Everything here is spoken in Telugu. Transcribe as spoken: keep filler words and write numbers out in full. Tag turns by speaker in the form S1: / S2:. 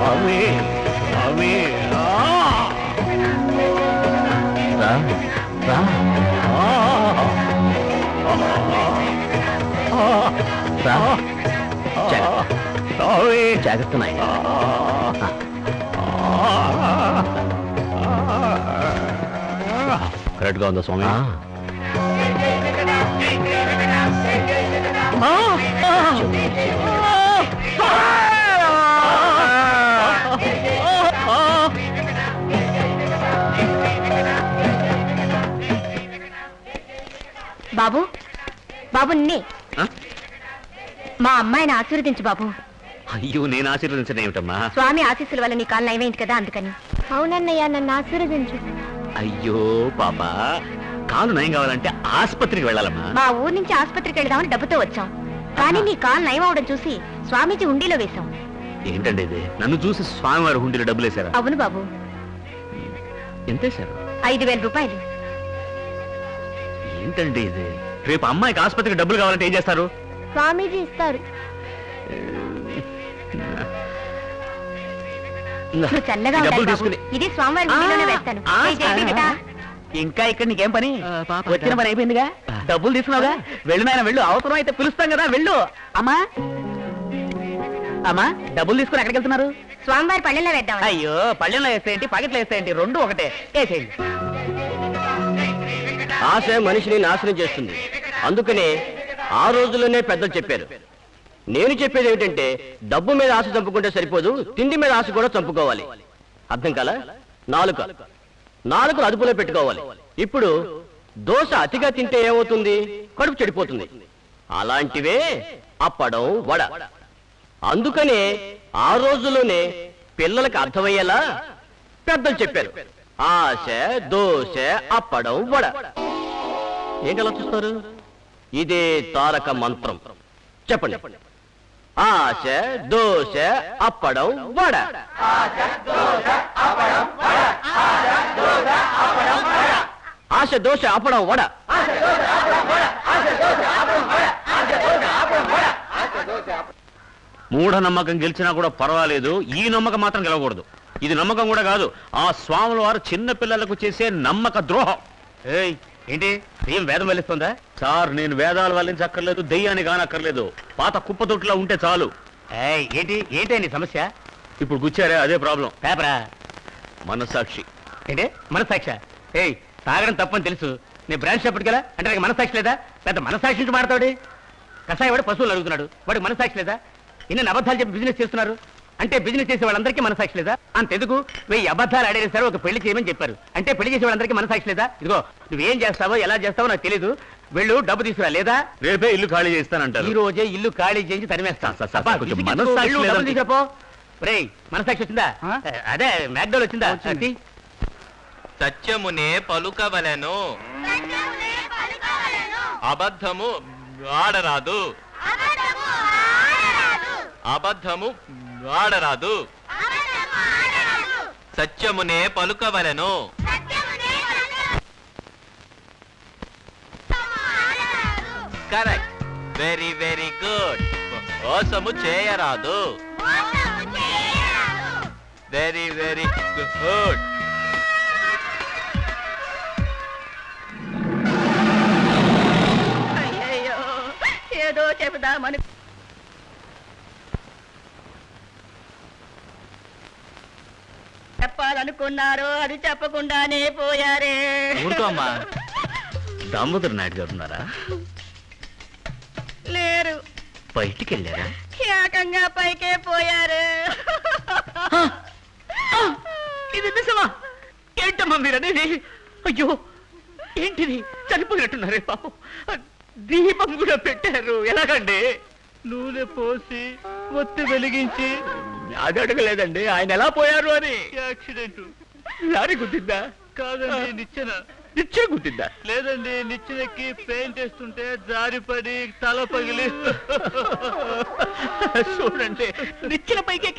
S1: స్వామి స్వామి రా రా రా జాగ్రత్త నాయన కరెక్ట్గా ఉందా స్వామి?
S2: బాబు బాబు నిన్నే మా అమ్మాయిని ఆశీర్వదించు బాబు.
S1: అయ్యో నేను ఆశీర్వదించడం ఏమిటమ్మా?
S2: స్వామి ఆశీస్సుల వల్ల నీ కాలు నయమైంది కదా అందుకని. అవునన్నయ్య నన్ను ఆశీర్వదించు.
S1: అయ్యో పాపా కాలు నయం కావాలంటే ఆసుపత్రికి వెళ్ళాలమ్మా.
S2: మా ఊరు నుంచి ఆసుపత్రికి వెళదామని డబ్బుతో వచ్చాం, కానీ నీ కాలు నయం అవడం చూసి స్వామీజీ హుండీలో వేశాం.
S1: ఏంటండి ఇది? నన్ను చూసి స్వామివారి హుండీలో డబ్బులు వేశారా?
S2: అవును బాబు.
S1: ఎంత వేశారు?
S2: ఐదు వేల రూపాయలు.
S1: ఏంటండి ఇది? రేపు అమ్మాయికి ఆసుపత్రికి డబ్బులు కావాలంటే ఏం చేస్తారు?
S2: స్వామీజీ ఇస్తారు. నువ్వు చల్లగా
S1: డబ్బులు
S2: ఉండాలి
S1: తీసుకుని
S2: బాబు. ఇది స్వామివారి హుండీలోనే వేస్తాను. ఏ జై బిడ్డ.
S3: ఇంకా ఇక్కడ నీకేం పని? వచ్చిన పని అయిపోయిందిగా, డబ్బులు తీసుకున్నావుగా, వెళ్ళు నాయన వెళ్ళు. అవసరం అయితే పిలుస్తాం కదా, వెళ్ళు. అమ్మా అమ్మా డబ్బులు తీసుకుని ఎక్కడికి వెళ్తున్నారు?
S2: స్వామివారి పళ్ళెంలో వేద్దాం.
S3: అయ్యో పళ్ళెంలో వేస్తాయంటి, పకెట్లో వేస్తాయంటి, రెండు ఒకటే. వేసేయండి.
S4: ఆశ మనిషిని నాశనం చేస్తుంది. అందుకనే ఆ రోజుల్లోనే పెద్దలు చెప్పారు. నేను చెప్పేది ఏమిటంటే డబ్బు మీద ఆశ చంపుకుంటే సరిపోదు, తిండి మీద ఆశ కూడా చంపుకోవాలి. అర్థం కాల? నాలుక నాలుకను అదుపులో పెట్టుకోవాలి. ఇప్పుడు దోశ అతిగా తింటే ఏమవుతుంది? కడుపు చెడిపోతుంది. అలాంటివే అప్పడం, వడ. అందుకనే ఆ రోజుల్లోనే పిల్లలకు అర్థమయ్యేలా పెద్దలు చెప్పారు. ఆశ, దోశ, అప్పడం, వడ. ఏంటలా చూస్తారు? ఇదే తారక మంత్రం. చెప్పండి. ఆశ, దోశ, అప్పడం, వడ. ఆశ, దోశ, అప్పడం, వడ.
S1: మూఢ నమ్మకం గెలిచినా కూడా పర్వాలేదు, ఈ నమ్మకం మాత్రం గెలవకూడదు. ఇది నమ్మకం కూడా కాదు, ఆ స్వాముల వారు చిన్న పిల్లలకు చేసే నమ్మక ద్రోహం.
S3: ఏయ్ ఏంటి ఏం వేదం వెళ్ళిస్తుందా?
S1: సార్ నేను వేదాలు వల్లించక్కర్లేదు, దెయ్యాన్ని కానక్కర్లేదు, పాత కుప్పతొట్టులా ఉంటే చాలు.
S3: ఏయ్ ఏంటి ఏంటి నీ సమస్య?
S1: ఇప్పుడు గుచ్చారే అదే ప్రాబ్లం.
S3: పేపరా?
S1: మనస్సాక్షి.
S3: ఏంటి మనసాక్ష? ఏయ్ తాగడం తప్పని తెలుసు, నేను బ్రాంచ్ చెప్పటికి కదా అంటే నాకు మనసాక్షి లేదా? పెద్ద మనసాక్షి నుంచి మాడతాడు. కషాయ వాడు పశువులు అడుగుతున్నాడు, వాడికి మనసాక్షి లేదా? ఇన్ని అబద్ధాలు చెప్పి బిజినెస్ చేస్తున్నారు అంటే బిజినెస్ చేసే వాళ్ళందరికీ మనసాక్షి లేదా? అంతెందుకు వెయ్యి అబద్ధాలు ఆడేసారు, ఒక పెళ్లి చేయమని చెప్పారు అంటే పెళ్లి చేసే వాళ్ళందరికీ మనసాక్షి లేదా? ఇదిగో నువ్వేం చేస్తావో ఎలా చేస్తావో నాకు తెలీదు, వెళ్ళు డబ్బు తీసుకురా, లేదా
S1: రేపే ఇల్లు ఖాళీ చేస్తానంటారు.
S3: ఈ రోజే ఇల్లు ఖాళీ చేసి తరిమేస్తాను.
S1: సార్, సార్, సార్, కొంచెం మనస్సాక్షి లేదండి.
S3: చెప్పో రేయ్ మనసాక్షి వచ్చిందా? అదే మ్యాక్డోల్ వచ్చిందా?
S5: సత్యమునే పలుకవలెను, అబద్ధము ఆడరాదు, అబద్ధము ఆడరాదు. సత్యమునే పలుకవలెను. Correct, very very good. మోసము చేయరాదు. Very very good.
S2: అయ్యయ్యో ఏదో చెబుదామని చెప్పాలనుకున్నారు, అది చెప్పకుండానే పోయారే.
S1: ఊరుకో అమ్మా. దామోదర్ నాయుడు గారు ఉన్నారా?
S2: లేరు.
S1: బయటికి వెళ్ళారా?
S2: ఏకంగా పైకే పోయారు.
S3: ఇది నిజమా? ఏంటమ్మా మీరనేది? అయ్యో ఏంటిది, చనిపోయినట్టున్నారే పాపం. దీపం కూడా పెట్టారు, ఎలాగండి? నూనె పోసి ఒత్తి వెలిగించి. అది అడగలేదండి ఆయన ఎలా పోయారు అని. యాక్సిడెంట్. లారీ గుద్దిందా? కాదండి నిచ్చెన. నిచ్చెన గుద్దిందా? లేదండి, నిచ్చెనకి పెయింట్ వేస్తుంటే జారిపడి తల పగిలి. చూడండి నిచ్చెన పైకి